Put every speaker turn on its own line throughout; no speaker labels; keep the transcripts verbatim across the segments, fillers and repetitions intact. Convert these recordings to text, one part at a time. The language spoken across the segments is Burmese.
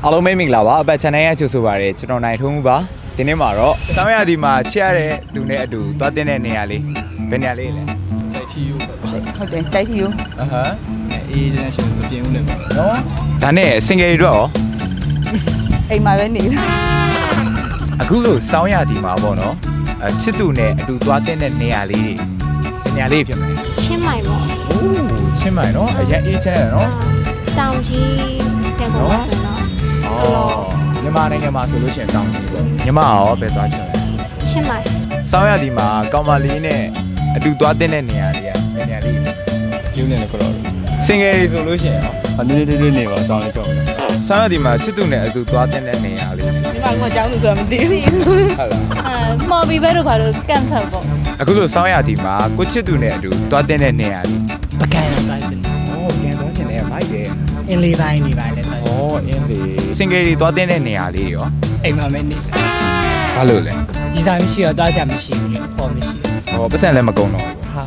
အားလုံးမိတ်မင်္ဂလာပါအပတ် channel ရဲ့ကြိုဆိုပါရစေကျွန်တော်နိုင်ထုံးမှုပါဒီနေ့မှာတော့စောင်းရသည်မှာချစ်ရတဲ့သူနဲ့အတူသွားတဲ့နေရာလေးဘယ်နေရာလေးလဲ
ကြိုက်ထီယူပဲ
ဟုတ်တယ်ကြိုက်ထီယူ
အဟမ်း
အေးချင်းရှင်မပြင်းဦးလည်းပါ
နော်ဒါနဲ့ single တွေတော့
အိမ်မှာပဲနေတယ်
အခုလို့စောင်းရသည်မှာပေါ့နော်အချစ်သူနဲ့အတူသွားတဲ့နေရာလေးတွေနေရာလေးဖြစ်မယ်
ချင်းမိုင်ပေါ့
အိုးချင်းမိုင်နော်အရင်အေးချမ်းရနော်
တောင်ကြီးတဲ့ပေါ်မှာဆိုတော့
အော်မြန်မာနိုင်ငံမှာဆိုလို့ရှိရင်တောင်းကြီးပေါ့မြန်မာရောပဲသွားချင်တယ်
ချင်းမိုင်
စောင်းရသည်မှာကောင်မလေးနဲ့အတူသွားတဲ့နေရာလေးကနေရာလေး
ပြင်းနေတယ်ကတော့
single တွေဆိုလို့ရှိရင်ရော
အနေနဲ့လေးနေပါတောင်းလေးကြောက်တယ်
ဆောင်းရသည်မှာချစ်သူနဲ့အတူသွားတဲ့နေရာလေး
ဒီမှာကကြောင်းလို့ဆိုတော့မသိဘူး
ဟုတ်လား
အဲမော်ဘီဘဲတို့ဘာလို့ကန့်ဖတ်ပေါ့
အခုလိုဆောင်းရသည်မှာကိုချစ်သူနဲ့အတူသွားတဲ့နေရာလေး
ပကံသွားချင်တယ်
ဩပြန်သွားရှင်လည်းမိုက်တယ်
အင်းလေးပိုင်းနေပိုင်းလည်းသွားချင်
ဩအင်းလေ single တွေသွားတဲ့နေရာလေးရော
အိမ်မှာပဲနေတာ
ဘာလို့လဲ
ဒီစားမရှိတော့သွားစရာမရှိဘူးလေပေါ်မရှိဘူး
ဟောပတ်စံလည်းမကုန်တော့ဘူး
ဟုတ်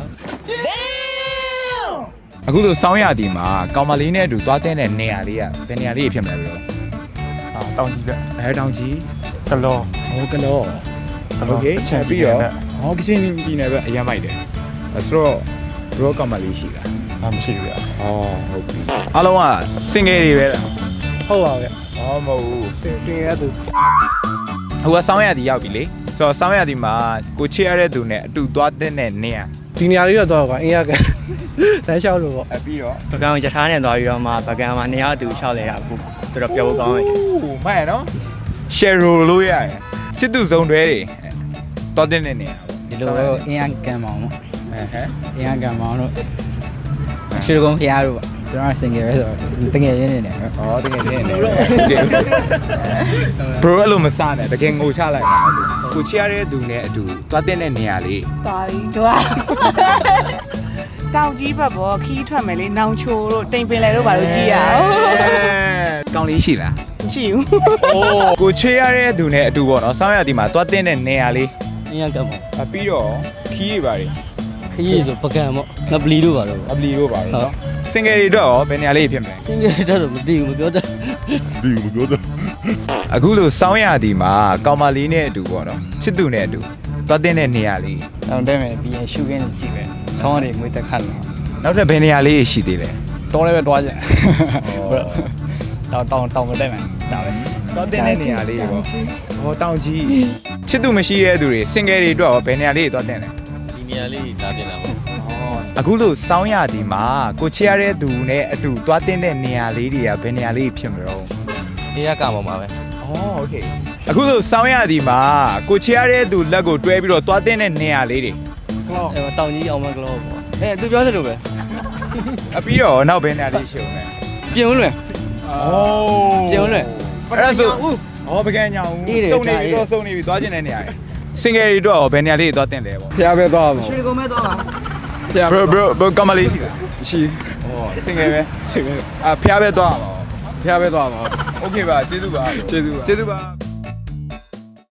အခုလိုဆောင်းရသည်မှာကောင်မလေးနဲ့အတူသွားတဲ့နေရာလေးကဘယ်နေရာလေးဖြစ်မလဲဘယ်လို
အာတောင်းကြီးပဲ
အဲတောင်ကြီး
ကလော
ဟောကလော
ကလော
โอเคချက်ပြီးတော့ဟောကချင်းပြည်နယ်ပဲအရင်မိုက်တယ်အဲဆိုတော့ရောကောင်မလေးရှိတာ
အာမရှိဘူးဗျာ
ဩဟုတ်ပြီအားလုံးက single တွေပဲလား
ဟုတ်ပါဗျာ
ဟောမဟုတ်ဘူး
စင်စင်ရသူ
ဟိုကစောင်းရသည်ရောက်ပြီလေဆိုတော့စောင်းရသည်မှာကိုချစ်ရတဲ့သူနဲ့အတူသွားတဲ့နေရာ
ဒီနေရာလေးတော့တော့ကွာအင်းရကတန်းလျှောက်လို့ပေါ့
အပြီးတော့
ပကံရထားနဲ့သွားပြီးတော့မှပကံမှာနေရာသူလျှောက်လဲတာအခုတော်တော်ပြောဖို့ကောင်းတယ်
ဟိုမှန်နော် share လို့ရတယ်ချစ်သူစုံတွဲတွေသွားတဲ့နေရာ
ဒီလိုပဲအင်းအကံမောင်နော်
ဟမ်ဟမ်
အင်းအကံမောင်တို့ရွှေကုန်းဖျားတို့ပေါ့ကျွန်တော် single ပဲဆိုတော့တကယ်ရင်းနေတယ်
ဩတကယ်နေနေ bro အဲ့လိုမစနဲ့တကယ်ငိုချလိုက်ကိုချစ်ရတဲ့သူနဲ့အတူသွားတဲ့နေရာလေး
သွားပြီတို့တောင်ကြီးဘက်ပေါ်ခီးထွက်မယ်လေနောင်ချိုတို့တိမ်ပင်လေတို့ဘာလို့ကြည့်ရအောင်
ကောင်းလေးရှိလား
မရှိဘူး
အိုးကိုချစ်ရတဲ့သူနဲ့အတူပေါ့နော်စောင်းရသည်မှာသွားတဲ့နေရာလေး
အင်းရကမော
အပြီးတော့ခီးတွေပါတွေ
ခရီးဆိုပကံပေါ့ငပလီတို့ပါတော့
အပလီတို့ပါတော့ single တွေတော့ရောဘယ်နေရာလေးဖြစ်မလဲ
စင်ကြတဲ့တော့မသိဘူးမပြောတတ်
အခုလိုစောင်းရသည်မှာကောင်မလေးနဲ့အတူပေါ့နော်ချစ်သူနဲ့အတူသွားတဲ့နေရာလေး
တောင်းတဲမယ်ပြီးရင်ရှူခင်းကြည့်ပဲဆောင်းရည်ငွေတက်ခတ်လို့
နောက်ထပ်ဘယ်နေရာလေးရှိသေးလဲ
တောင်းလည်းပဲတွားချင်တောင်းတောင်းတောင်းမတက်မယ်ဒါပဲ
သွားတဲ့နေရာလေးပေါ့ဟောတောင်ကြီးချစ်သူမရှိတဲ့သူတွေ single တွေတော့ရောဘယ်နေရာလေးသွားတဲ့လဲ
ဒီနေရာလေးလာတင်တာပေါ့
အခုလိုစောင်းရသည်မှာကိုချစ်ရတဲ့သူနဲ့အတူသွားတဲ့နေရာလေးတွေကဘယ်နေရာလေးဖြစ်မလို့
အေးရကမောပါပဲ
อ๋อโอเคအခုလိုစောင်းရသည်မှာကိုချစ်ရတဲ့သူလက်ကိုတွဲပြီးတော့သွားတဲ့နေရာလေးတွေ
အဲတောင်ကြီးအောင်မကလောပေါ့အဲသူပြောသလိုပဲ
အပြီးတော့နောက်ဘယ်နေရာလေးရှိအောင်လဲ
ပြင်ဦးလွင်
โอ้
ပြင်ဦးလွင်
အဲ့ဒါဆိုဩပကံညာဦးစုံနေပြီတော့စုံနေပြီသွားခြင်းတဲ့နေရာတွေ single တွေတော့ဘယ်နေရာလေးသွားတင်တယ်ပေါ့
ဖျားပဲသွားမှာ
ရွှေကုန်းမဲသွားပါ
ဖျား
bro bro bro ကမလေးရှိလား
မရှိ
ဩ single ပဲ
စင်
အဖျားပဲသွားမှာ
ဖျားပဲသွားမှာ
โอเคပါကျေးဇူးပါ
ကျေးဇူးပါ
ကျေးဇူးပါ